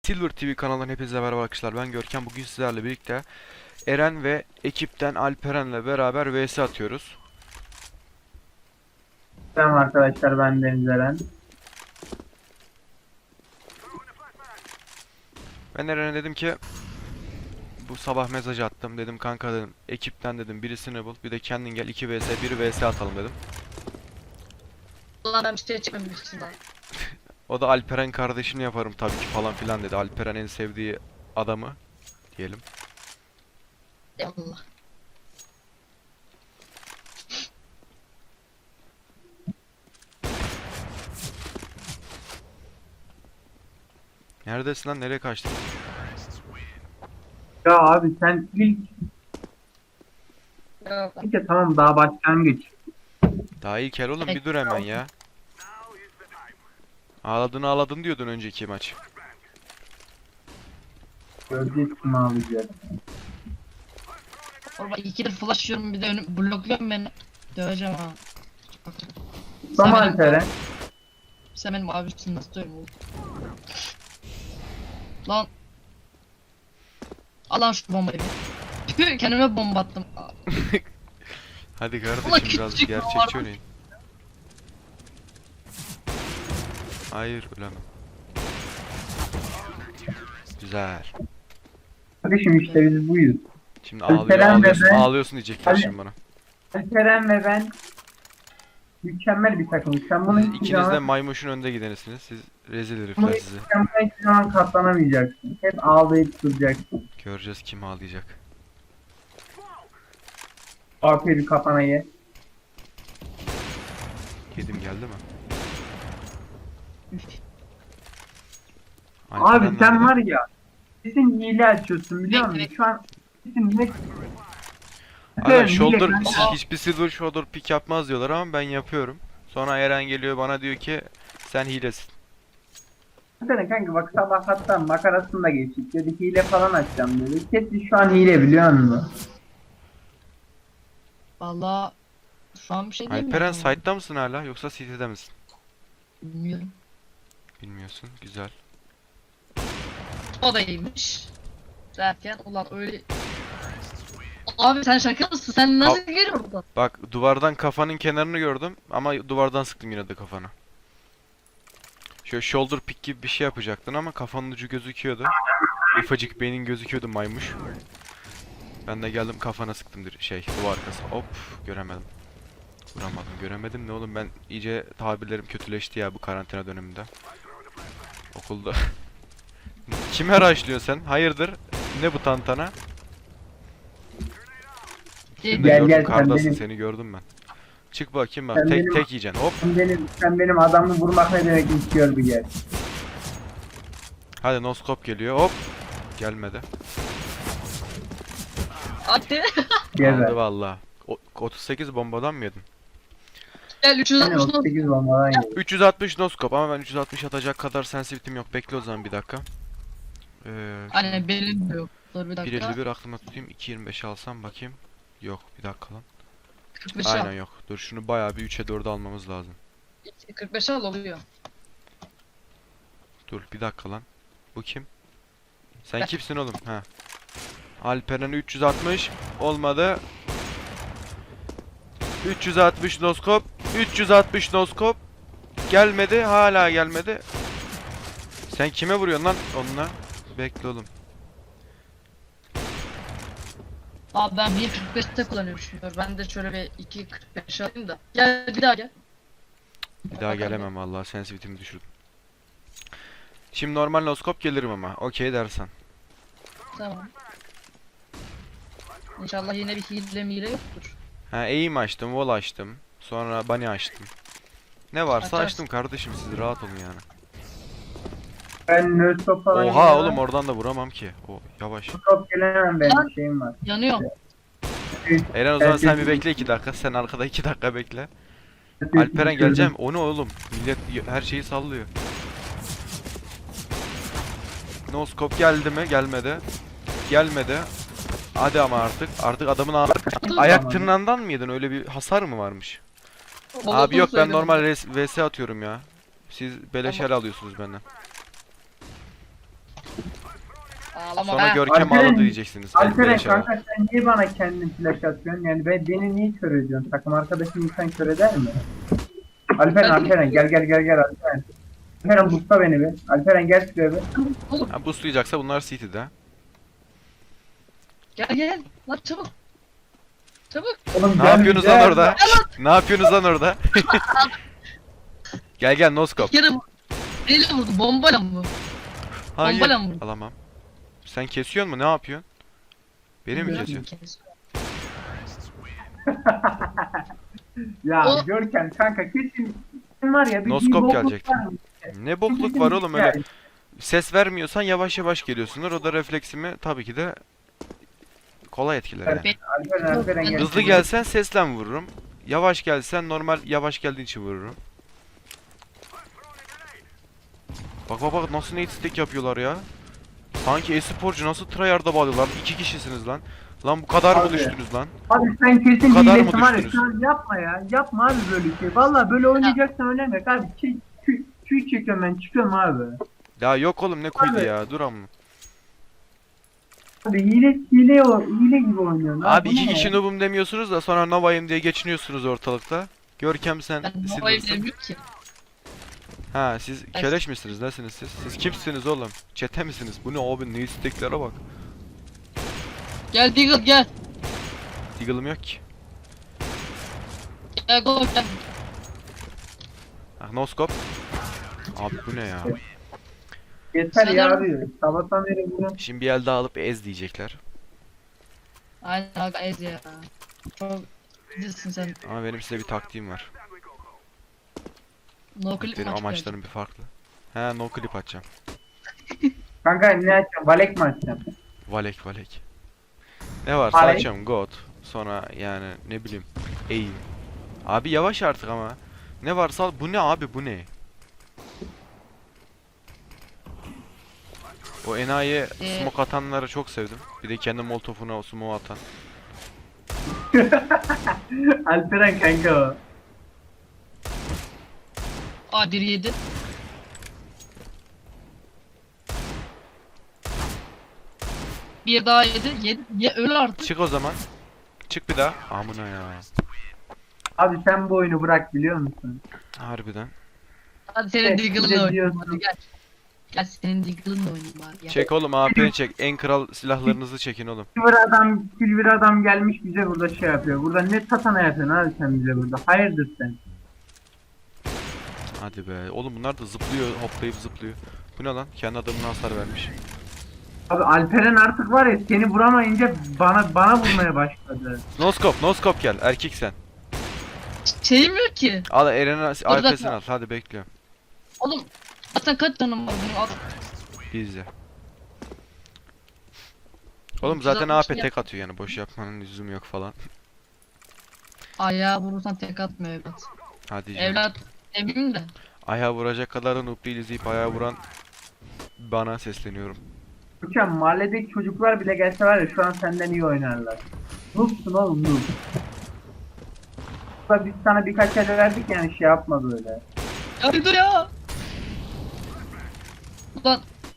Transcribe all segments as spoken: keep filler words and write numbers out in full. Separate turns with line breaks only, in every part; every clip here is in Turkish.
Silver T V kanalından hepinize merhaba arkadaşlar. Ben Görkem. Bugün sizlerle birlikte Eren ve ekipten Alperen'le beraber V S atıyoruz.
Selam arkadaşlar, ben Deniz Eren.
Ben Eren'e dedim ki bu sabah mesaj attım. Dedim kanka dedim ekipten dedim birisini bul. Bir de kendin gel iki V S bir V S atalım dedim.
Ulan ben bir şey çekmemiştim daha.
O da Alperen kardeşini yaparım tabii ki falan filan dedi. Alperen en sevdiği adamı diyelim.
Eyvallah.
Neredesin lan, nereye kaçtın?
Ya abi sen ilk
Yok.
ilk de tamam, daha başlangıç.
Daha ilk el oğlum, bir dur hemen ya. Ağladın ağladın diyordun önceki maç.
Göreceğiz kim alacak.
Orada ikidir flash yiyorum, bir de önüm blokluyorum beni. Döveceğim ha.
Tamam
benim-
Alperen.
Sen benim abimsin, nasıl dövüyorum oğlum? Lan. Al lan şu bombayı bir. Tüh, kendime bomba attım.
Hadi
Ulan
kardeşim biraz
küçük
gerçekçi
var.
oynayın. Hayır, ölemem. Güzel.
Kardeşim işte biz buyuz.
Şimdi
Alperen
ağlıyor,
ve
ağlıyorsun,
ben-
ağlıyorsun diyecekler
Ali-
şimdi bana.
Alperen ve ben mükemmel bir takımız. Sen bunu
Siz
hiçbir
ikiniz de
zaman,
maymuşun önde gidenisiniz. Siz rezil
bunu
herifler sizi.
sen buna hiçbir zaman katlanamayacaksın. Hep ağlayıp duracaksın.
Göreceğiz kim ağlayacak.
Aferin kafana ye.
Yedim geldi mi?
Abi
Alperen
sen
nerede?
var ya, kesin hile açıyorsun biliyor musun?
Evet.
Şu an kesin ne...
Hala
Hile
shoulder,
kanka.
hiçbir silver shoulder pick yapmaz diyorlar ama ben yapıyorum. Sonra Eren geliyor bana diyor ki sen hilesin.
Zaten kanka bak, sabah hatta makarasını da geçtik dedi, hile falan açacağım dedi. Kesin şu an hile biliyor musun?
Valla şu an bir şey diyemiyorum.
Alperen site'da mısın hala yoksa city'de misin?
Bilmiyorum.
Bilmiyorsun. Güzel.
O da iyiymiş. Derken ulan öyle... Abi sen şaka mısın? Sen nasıl görüyorsun buradan?
Bak, duvardan kafanın kenarını gördüm ama duvardan sıktım yine de kafana. Şöyle shoulder pick gibi bir şey yapacaktın ama kafanın ucu gözüküyordu. Ufacık beynin gözüküyordu maymuş. Ben de geldim kafana sıktım dir şey duvar arkası. Hop, göremedim. Vuramadım, göremedim ne oğlum, ben iyice tabirlerim kötüleşti ya bu karantina döneminde. Okulda. Kime rushlıyorsun sen? Hayırdır? Ne bu tantana? Seni de
Gel,
gördüm,
gel, sen
kardasın,
benim-
seni gördüm ben. Çık bakayım bak,
Sen
tek
benim-
tek yiyeceksin, hop.
Sen benim, sen benim adamı vurmak ne demek istiyor bir gel.
Hadi noskop geliyor, hop. Gelmedi.
Hadi.
Gel
Aldı
be.
valla. O- otuz sekiz bombadan mı yedin?
Gel üç yüz
Yani
altmış
otuz sekiz bombadan yedi.
üç yüz altmış noskop ama ben üç yüz altmış atacak kadar sensitivitim yok. Bekle o zaman bir dakika. Ee,
Hani benim de yok. Dur bir
bir
dakika.
elli bir aklıma tutayım. iki yirmi beş alsam bakayım. Yok, bir dakika lan.
kırk beş
Aynen
al.
yok. Dur şunu bayağı bir üçe dörde almamız lazım.
kırk beş al oluyor.
Dur bir dakika lan. Bu kim? Sen
Ben.
kimsin oğlum? Ha. Alperen üç yüz altmış olmadı. üç yüz altmış noskop. üç yüz altmış noskop. Gelmedi, hala gelmedi. Sen kime vuruyorsun lan onunla? Bekle oğlum.
Abi ben bir kırk beşte kullanıyorum şimdi. Ben de şöyle bir iki kırk beş alayım da. Gel bir daha gel.
Bir daha gelemem vallahi, sensitivitimi düşürdüm. Şimdi normal noskop gelirim ama. Okey dersen.
Tamam. İnşallah yine bir hile mile yoktur.
Ha, aim açtım, wall açtım. Sonra bunny açtım. Ne varsa
Açarsın.
açtım kardeşim, siz rahat olun yani.
Ben nöstop falan
Oha
yemem.
oğlum, oradan da vuramam ki. O yavaş.
Nöstop gelemem, benim şeyim var.
Yanıyor.
Eren o zaman sen bir
Herkes-
bekle iki dakika. Sen arkada iki dakika bekle. Alperen geleceğim. O ne oğlum? Millet y- her şeyi sallıyor. No scope geldi mi? Gelmedi. Gelmedi. Hadi ama artık. Artık adamın a- ayak tırnağından mı yedin? Öyle bir hasar mı varmış? Abi yok, ben normal res- V S atıyorum ya. Siz beleş
Tamam.
el alıyorsunuz benden.
Ağlama
Sonra
be.
Görkem
Alperen-
ağladı diyeceksiniz.
Alperen
Beleşe bak.
kanka sen niye bana kendin flash atıyorsun? Yani ben, beni niye kör ediyorsun? Takım arkadaşın insan kör eder mi? Alperen
Ben-
Alperen gel gel gel gel Alperen. Alperen busta beni bir. Alperen gel şuraya bir.
Oğlum
Ha, boostlayacaksa bunlar City'de.
gel gel. Lan çabuk. Çabuk.
Oğlum,
Ne
gel,
yapıyorsunuz
gel.
lan orada? Ne yapıyorsunuz lan orada? Gel gel noskop.
Bir kere bu. Neyle vurdu? Bombayla mı bu?
Hayır.
Bombayla mı vurdu?
Alamam. Sen kesiyor mu? Ne yapıyorsun? Beni mi kesiyorsun?
Ya
O-
Görkem kanka kesin kesin var ya bir
Noskop
bir bokluk
gelecek.
var mı?
Ne bokluk var oğlum öyle. Ses vermiyorsan yavaş yavaş geliyorsundur. O da refleksimi tabii ki de kolay etkiler yani.
Ben-
Alperen Alperen gel.
Hızlı gelsen sesle vururum. Yavaş gelsen normal yavaş geldiğin için vururum. Bak bak bak nasıl nade stack yapıyorlar ya. Sanki e-sporcu nasıl tryhard'a bağlıyorlar. İki kişisiniz lan. Lan bu kadar mı
Abi.
düştünüz lan?
Abi sen kesin
Bu kadar mı
hilesin var ya
düştünüz?
şu an yapma ya. Yapma abi böyle şey. Valla böyle oynayacaksan oynamak abi. Çiğ çiğ çiğ çekiyorum ben çıkıyorum abi.
Ya yok oğlum ne koydu
Abi.
ya dur amma.
Abi hile hile o hile gibi oynuyorsun.
Abi
bu
iki
ne
kişi
ya?
noob'um demiyorsunuz da sonra Nova'yım diye geçiniyorsunuz ortalıkta. Görkem sen
Ben bombayı
Silver'sın.
bilmiyorum ki.
Ha siz keleş misiniz? Nesiniz siz? Siz kimsiniz oğlum? Çete misiniz? Bu ne abi? Ne isteklere bak.
Gel Deagle gel.
Deagle'ım yok ki.
Gel go gel.
Ah noskop. Abi bu ne ya?
Yeter ya
Sanırım-
abi. Sabahtan beri bunu.
Şimdi bir el daha alıp ez diyecekler.
Aynen aga ez ya. Çok iyisin sen.
Ama benim size bir taktiğim var.
No clip
Benim
maç
amaçlarım bir farklı. He no clip atacağım.
Kanka ne açacağım? Valek mi açacağım?
Valek valek. Ne varsa
Valek.
açacağım. God. Sonra yani ne bileyim. Aim. Abi yavaş artık ama. Ne varsa al. Bu ne abi bu ne? O enayi
Ee,
smoke atanları çok sevdim. Bir de kendi molotofuna o smoke atan.
Alperen kanka o.
Aa biri yedi. Bir daha yedi. Yedi. Ye öl artık.
Çık o zaman. Çık bir daha. Amına ya.
Abi sen bu oyunu bırak biliyor musun?
Harbiden.
Hadi senin
Evet,
Deagle'ınla
bir de
oynayayım
diyorsun.
hadi gel. Gel senin Deagle'ınla oynayayım bari gel.
Çek oğlum A P'ni çek. En kral silahlarınızı çekin oğlum.
Silver adam, Silver adam gelmiş bize burada şey yapıyor. Burada ne tatana yapıyorsun abi sen bize burada? Hayırdır sen?
Hadi be. Oğlum bunlar da zıplıyor, hoplayıp zıplıyor. Bu ne lan? Kendi adamına hasar vermiş.
Abi Alperen artık var ya seni vuramayınca bana bana vurmaya başladı.
Noskop, noskop gel. Erkek sen.
Ş- Şeyim yok ki.
Al Eren'in A P'sini
dakika.
al. Hadi bekliyorum.
Oğlum zaten kaç canım var benim al.
İzle. Oğlum
Güzel
zaten
bir
A P
şey
tek atıyor yani. Boş yapmanın lüzumu yok falan.
Ayağa vurursan tek atmıyor evlat.
Hadi canım.
Evlat eminim de.
Ayağa vuracak kadar da noob değiliz deyip ayağa vuran bana sesleniyorum.
Hocam mahalledeki çocuklar bile gelse var ya şu an senden iyi oynarlar. Noobsun oğlum noob. Ulan Biz sana birkaç el verdik yani şey yapma böyle.
Ya bir dur ya. Ulan.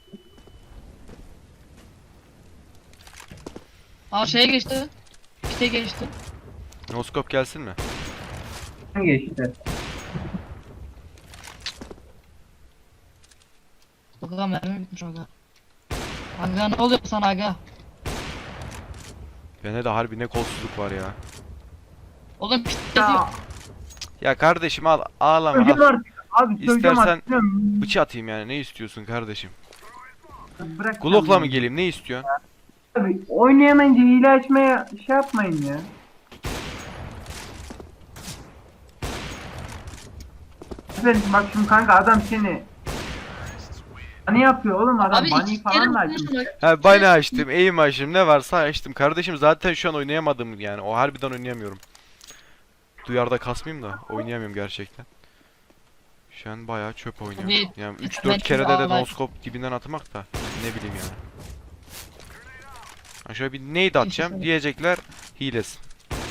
Aa şeye geçti. Pite geçti.
Noskop gelsin mi?
Geçti.
Aga mermi bitmiş aga. Aga ne oluyor sana aga?
Bende de harbi ne kolsuzluk var ya.
Oğlum pite
Ya
Ya kardeşim al ağlama
söyleyeceğim
al.
artık. Abi söyleyeceğim
İstersen-
artık. Bilmiyorum.
Bıçı atayım yani ne istiyorsun kardeşim?
Bırak
Glock'la
sen
mı
bunu.
geleyim ne istiyorsun?
Abi oynayamayınca hile açmaya şey yapmayın ya. Efendim bak şimdi kanka adam seni Hani yapıyor oğlum adam
Abi
bunny
iki kere
falan da açmış.
vurmuşsun.
Ha bana açtım, aim açtım, ne varsa açtım. Kardeşim zaten şu an oynayamadım yani. O harbiden oynayamıyorum. Duyarda kasmayayım da oynayamıyorum gerçekten. Şu an bayağı çöp oynuyorum.
Tabii.
Yani üç
Ben
dört kere de, de
ağlar.
noskop dibinden atmak da ne bileyim yani. Ha şöyle bir nade atacağım
Kesin.
diyecekler hilesin.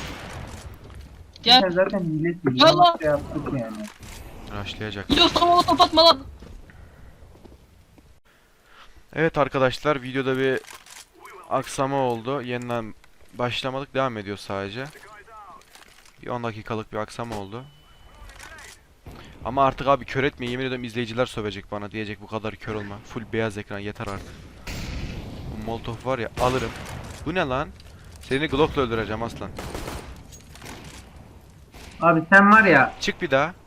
Sen
Gel.
zaten hilesin.
Yallah.
Şey yaptık yani.
Rushlayacak.
Gidiyorsan onu kapatma lan.
Evet arkadaşlar, videoda bir aksama oldu. Yeniden başlamadık, devam ediyor sadece. Bir on dakikalık bir aksama oldu. Ama artık abi kör etme, yemin ediyorum izleyiciler sövecek bana, diyecek bu kadar kör olma. Full beyaz ekran yeter artık. Bu molotof var ya, alırım. Bu ne lan? Seni Glock'la öldüreceğim aslan.
Abi sen var ya
Çık bir daha.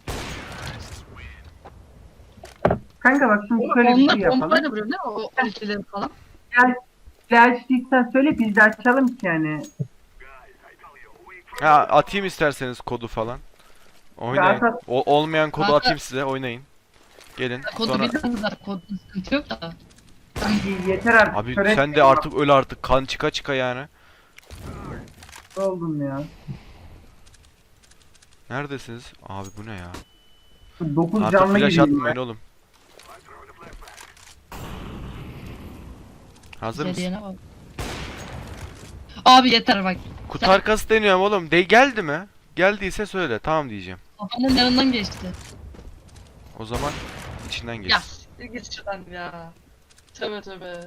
kanka bak şimdi şöyle bir şey
Onlar
yapalım.
pompayla vuruyor değil mi? O ultileri falan.
Gel gel açtıysan söyle biz de açalım ki yani.
Ha, atayım isterseniz kodu falan. Oynayın.
Zaten-
O, olmayan kodu
Kanka-
atayım size, oynayın. Gelin.
Kodu
Sonra
biliyoruz zaten. Kodu sıkıntı yok da.
Kanki yeter artık.
abi
Töre
sen de artık öl artık, kan çıka çıka yani.
oldum ya.
Neredesiniz? Abi bu ne ya?
dokuz
Artık
canlı
flash
gibiyim
atmayın
ben.
oğlum. Hazır mısın?
Hediyene bak. Abi yeter bak.
Kutu
Sen-
arkası deniyorum oğlum. De geldi mi? Geldiyse söyle, tamam diyeceğim.
Kafamın yanından geçti.
O zaman içinden geç.
Ya siktir git şuradan ya. Tövbe tövbe.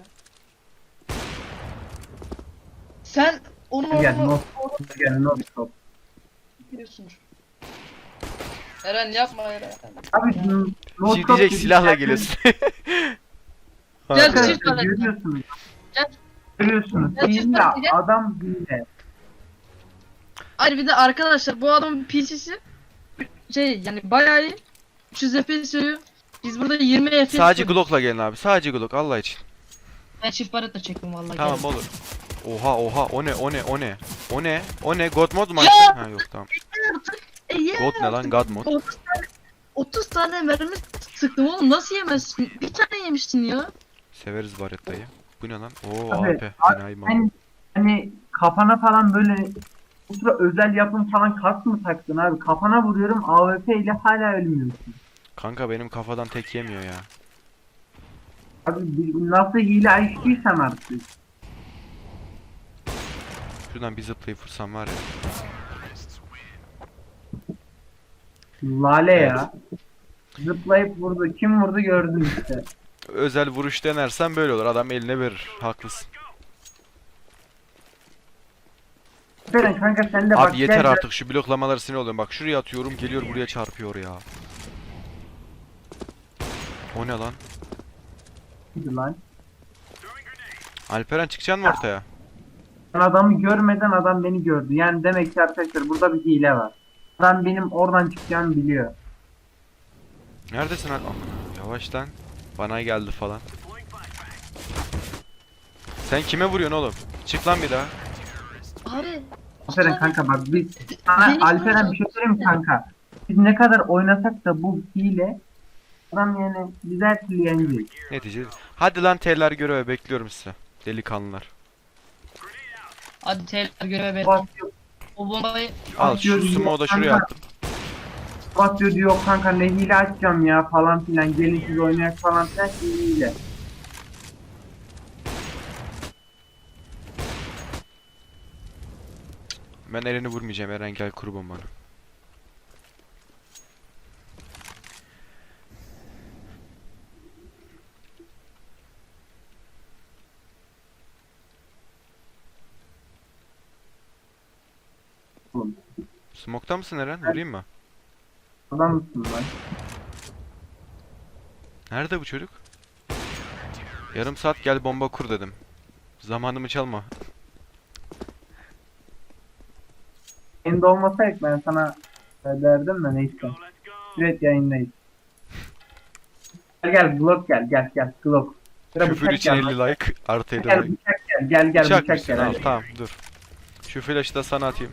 Sen onu
Gel
onu
no gel no stop.
biliyorsundur. Eren yapma Eren.
Abi no no
Şey
stop
diyecek,
dedik
silahla
derken-
geliyorsun.
Gel,
Harbi.
çift
Arkadaşlar
tane.
görüyorsunuz.
Gel.
Görüyorsunuz.
Gel, çift
Hile
tane, gel.
adam hile.
Hayır bir de arkadaşlar bu adamın P C'si şey yani bayağı iyi. üç yüz F P S veriyor. Biz burada yirmi F P S
Sadece
veriyoruz.
Glock'la gelin abi. Sadece Glock Allah için.
Ben çift barret çektim vallahi.
Tamam
gel.
olur. Oha oha, o ne o ne o ne? O ne? O ne? God mod mu
Ya!
açtın? Ha yok tamam.
E, ye
God ne lan? God mod.
otuz tane otuz tane mermi sıktım oğlum nasıl yemezsin? Bir tane yemişsin ya.
Severiz Baretta'yı. Bu ne lan? Oo
Abi,
A P. Enayi mal.
Hani, hani kafana falan böyle ultra özel yapım falan kask mı taktın abi? Kafana vuruyorum A W P ile hala ölmüyorsun.
Kanka benim kafadan tek yemiyor ya.
Abi bir- nasıl hile açtıysan artık.
Şuradan bir zıplayıp vursam var ya.
Lale ya. Zıplayıp vurdu. Kim vurdu gördün işte.
Özel vuruş denersen böyle olur. Adam eline verir. Haklısın.
Aferin kanka sen de bak.
Abi yeter
gel-
artık, şu bloklamaları sinir oluyorum. Bak şuraya atıyorum, geliyor buraya çarpıyor ya. O ne lan?
gel- lan.
Alperen çıkacaksın mı ortaya?
Ben adamı görmeden adam beni gördü. Yani demek ki arkadaşlar burada bir hile var. Adam benim oradan çıkacağımı biliyor.
Neredesin Al? Aman, yavaş lan. Bana geldi falan. Sen kime vuruyorsun oğlum? Çık lan bir daha.
Abi.
Aferin
abi,
kanka bak biz sana
Benim
Alperen
hocam-
bir şey söyleyeyim mi kanka? Biz ne kadar oynasak da bu hile adam yani biz her türlü yeneceğiz.
Netice. Hadi lan T'ler göreve bekliyorum size. Delikanlılar.
Hadi tekrar göreve bekle.
Basıyor,
O bombayı
Al
Atıyor,
şu smoke'u da
kanka.
şuraya attım.
basıyor diyor kanka ne hile açacağım ya falan filan gelin siz oynayak falan filan şimdi hile.
Ben Eren'i vurmayacağım. Eren gel kur bombanı.
Oğlum,
Smoke'ta mısın Eren? Vurayım mı?
adam mısın lan?
Nerede bu çocuk? Yarım saat gel bomba kur dedim. Zamanımı çalma.
Senin de olmasaydı ben sana e, derdim de neyse. Evet yayındayız. Gel gel Glock gel gel gel Glock. Sıra
Küfür
bıçak
için
gel.
elli like. Artı elli
Gel
like.
bıçak gel gel gel
Bıçak
bıçak
mısın?
gel.
Al
hadi.
tamam dur. Şu flash'ı da sana atayım.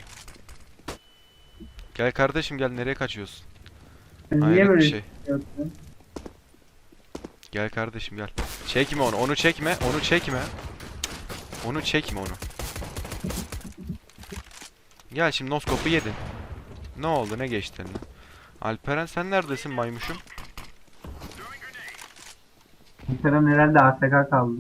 Gel kardeşim gel, nereye kaçıyorsun?
Niye
Hayret
böyle
bir
şey
şey.
yapıyorsun?
Gel kardeşim gel. Çekme onu, onu çekme, onu çekme. Onu çekme onu. Gel şimdi noskopu yedin. Ne oldu, ne geçti eline? Alperen sen neredesin maymuşum?
Kerem herhalde A F K kaldı.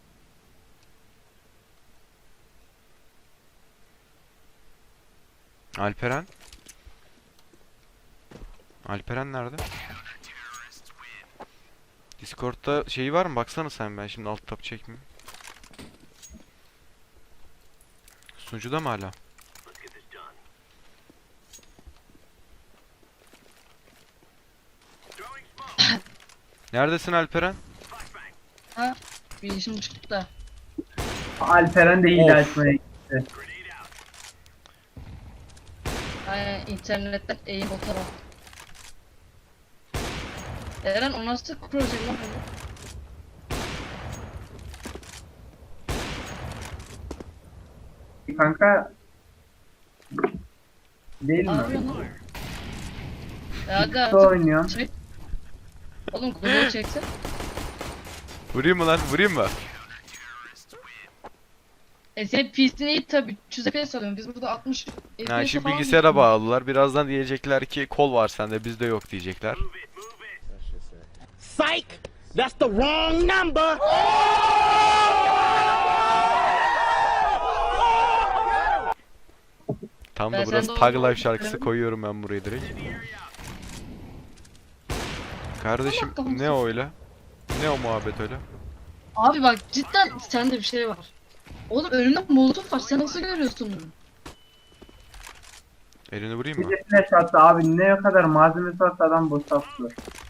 Alperen? Alperen nerede? Discord'da şeyi var mı? Baksana sen, ben şimdi alt tab çekmeyeyim. Sunucuda mı hala? Neredesin Alperen?
Ha? Bir işim çıktı da.
Alperen de hile
Of.
açmaya gitti.
Aynen internetten eğim o taraf. Eren o nasıl proje lan öyle?
Kanka değil
Ne
mi?
yapıyorsun lan? Ya aga
Kutu oynuyorum.
çek. Oğlum kulağı çeksen.
Vurayım mı lan? Vurayım mı?
E senin P C'ni iyi tabi üç yüz F P S alıyorsun. Biz burada altmış F P S
Yani şimdi
falan
bilgisayara
geçiyoruz.
bağlılar. Birazdan diyecekler ki kol var sende, bizde yok diyecekler.
Psych! That's the wrong number!
Tam
Ben
da burası
sende
Tag
olduğunu
Life şarkısı
düşünüyorum.
koyuyorum ben buraya direkt. Kardeşim
Allah kahretsin.
ne o öyle? Ne o muhabbet öyle?
Abi bak cidden sende bir şey var. Oğlum önümde molotof var. Sen nasıl görüyorsun bunu?
Elini vurayım
Bir
mı?
de flash attı abi, ne kadar malzemesi varsa adam boşalttı.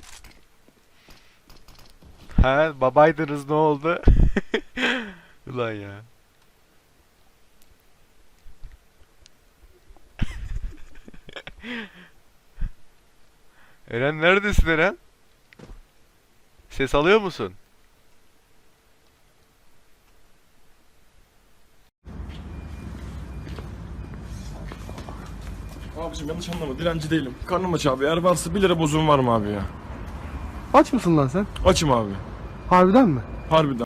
He babaydınız, ne oldu? Ulan ya. Eren neredesin Eren? Ses alıyor musun?
Abicim yanlış anlama, dilenci değilim. Karnım aç abi. Eğer varsa bir lira bozuğum var mı abi ya?
Aç mısın lan sen?
Açım abi.
Harbiden mi?
Harbiden.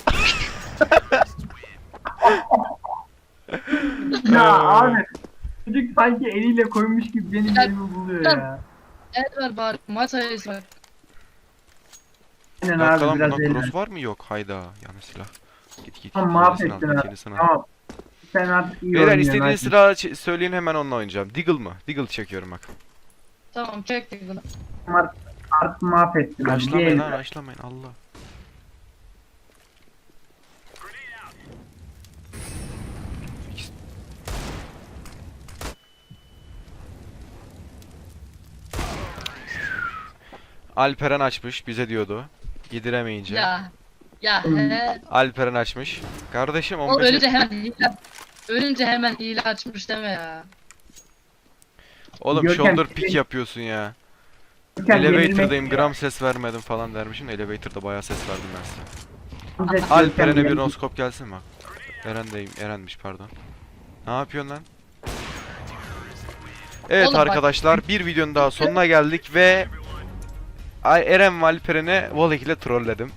Ya abi çocuk sanki eliyle koymuş gibi benim
Ya-
elimi buluyor ya.
Evet var bari. Maç sayısı var.
Aynen
Dakika
abi
lan,
biraz
buna
eğlen.
cross var mı? Yok, hayda. Yanlış silah. Git git.
Tamam
git, yenisini
mahvettin
al,
abi.
yenisini al.
Tamam. Sen artık iyi
Beyler
oynuyorsun.
istediğiniz
hadi.
silahı ç- söyleyin, hemen onunla oynayacağım. Deagle mı? Deagle çekiyorum bak.
Tamam çektik bunu.
Artık, artık mahvettin abi.
Raşlamayın
Değil.
lan, raşlamayın Allah. Alperen açmış, bize diyordu. Yediremeyince.
Ya. Ya he.
Alperen açmış. Kardeşim
O
on beş
ölünce hemen hile. Ölünce hemen hile açmış deme ya.
Oğlum
Görkem,
shoulder
senin-
pick yapıyorsun ya.
Görkem,
Elevator'dayım,
yenilmek-
gram ses vermedim falan dermişim. Elevator'da bayağı ses verdim ben size.
Görkem,
Alperen'e bir
yenilmek-
noskop gelsin bak. Eren'deyim, Eren'miş pardon. Ne yapıyorsun lan? Evet
Oğlum bak-
arkadaşlar, bir videonun daha sonuna geldik ve Ay Eren ve Alperen'e Volek ile trolledim.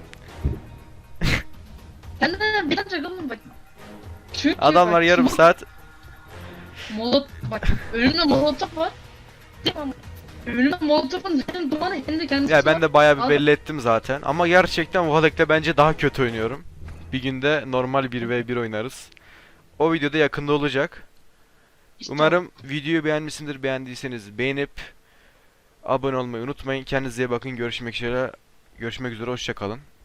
Kendine bir tane oğlum bak. Çünkü
Adamlar
bak,
yarım
şimdi
saat
Molot bak önümde molotof var. Tamam. Önümde molotofun hem dumanı hem de kendisi
ya ben
var.
de bayağı bir
Abi-
belli ettim zaten. Ama gerçekten Volek'te bence daha kötü oynuyorum. Bir günde normal bir ve bir oynarız. O videoda yakında olacak.
İşte
Umarım videoyu beğenmişsindir. Beğendiyseniz beğenip abone olmayı unutmayın. Kendinize iyi bakın. Görüşmek üzere. Görüşmek üzere. Hoşça kalın.